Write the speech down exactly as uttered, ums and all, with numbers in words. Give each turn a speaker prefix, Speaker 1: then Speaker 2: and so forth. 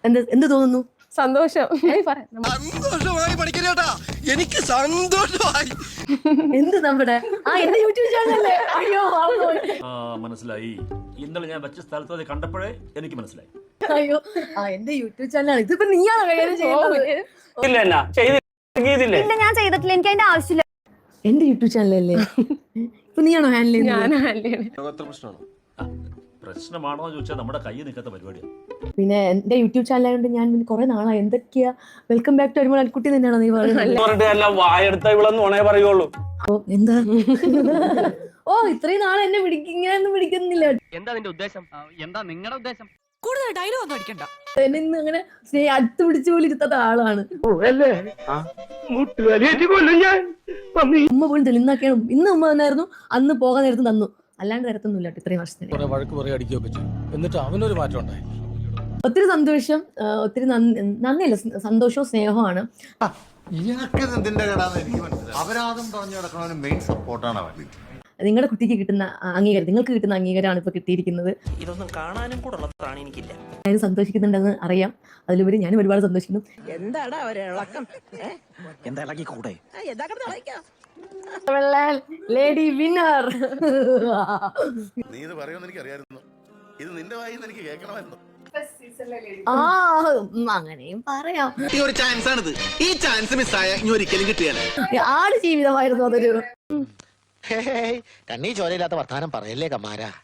Speaker 1: എന്ത് എന്ത് തോന്നുന്നു?
Speaker 2: സന്തോഷം.
Speaker 3: സന്തോഷമായി പഠിക്കണേട്ടാ, എനിക്ക് സന്തോഷമായി.
Speaker 1: എന്ത് നമ്മുടെ ആ എന്റെ യൂട്യൂബ് ചാനലല്ലേ? അയ്യോ
Speaker 4: മനസ്സിലായി. ഇന്നലെ ഞാൻ വെച്ച സ്ഥലത്ത് അത് കണ്ടപ്പോഴേ എനിക്ക് മനസ്സിലായി.
Speaker 1: അയ്യോ ആ എന്റെ യൂട്യൂബ് ചാനലാണ്. ഇതിപ്പോ നീയാണോ കൈകാര്യം ചെയ്യുന്നത്?
Speaker 5: ഇല്ല ഞാൻ ചെയ്തിട്ടില്ല, എനിക്ക് അതിന്റെ ആവശ്യമില്ല.
Speaker 1: എന്റെ യൂട്യൂബ് ചാനലല്ലേ? ഇപ്പൊ നീയാണോ ഹാൻഡിൽ
Speaker 2: ഞാൻ
Speaker 4: പ്രശ്നമാണോ ചോദിച്ചാൽ നമ്മുടെ കൈ നിൽക്കാത്ത പരിപാടിയാണ്.
Speaker 1: പിന്നെ എന്റെ യൂട്യൂബ് ചാനലായതുകൊണ്ട് ഞാൻ കുറെ നാളായി എന്തൊക്കെയാ വെൽക്കം ബാക്ക് ടു അരിമോൾ അൽക്കുട്ടി തന്നെയാണോ നീ
Speaker 6: പറയുള്ളൂ?
Speaker 1: ഓ എന്താ ഓ ഇത്രയും നാളെ എന്നെ പിടിക്കിങ്ങനൊന്നും പിടിക്കുന്നില്ല.
Speaker 7: എന്താ നിന്റെ ഉദ്ദേശം? എന്താ നിങ്ങളുടെ ഉദ്ദേശം?
Speaker 8: കൂടുതൽ ഡയലോഗ് ഒന്നും അടിക്കണ്ട.
Speaker 1: എന്നെ ഇന്ന് അങ്ങനെ സ്നേഹ അടുത്ത് പിടിച്ചു പോലും ഇരുത്താത്ത ആളാണ്. ഉമ്മ പോലും തെളിന്നാക്കിയാണ്. ഇന്ന് ഉമ്മ തന്നായിരുന്നു, അന്ന് പോകാൻ നേരത്ത് തന്നു, അല്ലാണ്ട് തരത്തൊന്നുമില്ല ഇത്രയും വർഷത്തിന്.
Speaker 6: എന്നിട്ട് അവനൊരു മാറ്റം ഉണ്ടായി.
Speaker 1: ഒത്തിരി സന്തോഷം, ഒത്തിരി നന്ദിയില്ല, സന്തോഷവും സ്നേഹമാണ്.
Speaker 3: അപരാധം പറഞ്ഞു കിടക്കണവന് മെയിൻ സപ്പോർട്ടാണ് അവൻ.
Speaker 1: നിങ്ങളുടെ കുട്ടിക്ക് കിട്ടുന്ന അംഗീകാരം, നിങ്ങൾക്ക് കിട്ടുന്ന അംഗീകാരമാണ് ഇപ്പൊ കിട്ടിയിരിക്കുന്നത്.
Speaker 7: ഇതൊന്നും കാണാനും കൂടെ ഉള്ളതാണ് എനിക്കില്ല.
Speaker 1: ഞാൻ സന്തോഷിക്കുന്നുണ്ടെന്ന് അറിയാം. അതിലുപരി ഞാനും ഒരുപാട് സന്തോഷിക്കുന്നു.
Speaker 8: എന്താടാ ഒരിളക്കം?
Speaker 7: എന്താ ഇളകി കൂടെ?
Speaker 1: Lady winner.
Speaker 3: നീ ഇത് പറയുമെന്ന് എനിക്ക് അറിയാമായിരുന്നു. ഇത് നിന്റെ വായിന്ന് എനിക്ക് കേൾക്കണമായിരുന്നു.
Speaker 1: ആ അങ്ങനെയും പറയാം.
Speaker 3: ഒരു ചാൻസ് ആണിത്. ഈ ചാൻസ് മിസ്സായ ഇനി ഒരിക്കലും കിട്ടിയാൽ
Speaker 1: ആട് ജീവിതമായിരുന്നു അതൊരു.
Speaker 9: കണ്ണീ ചോരയില്ലാത്ത വർത്താനം പറയല്ലേ കമാര.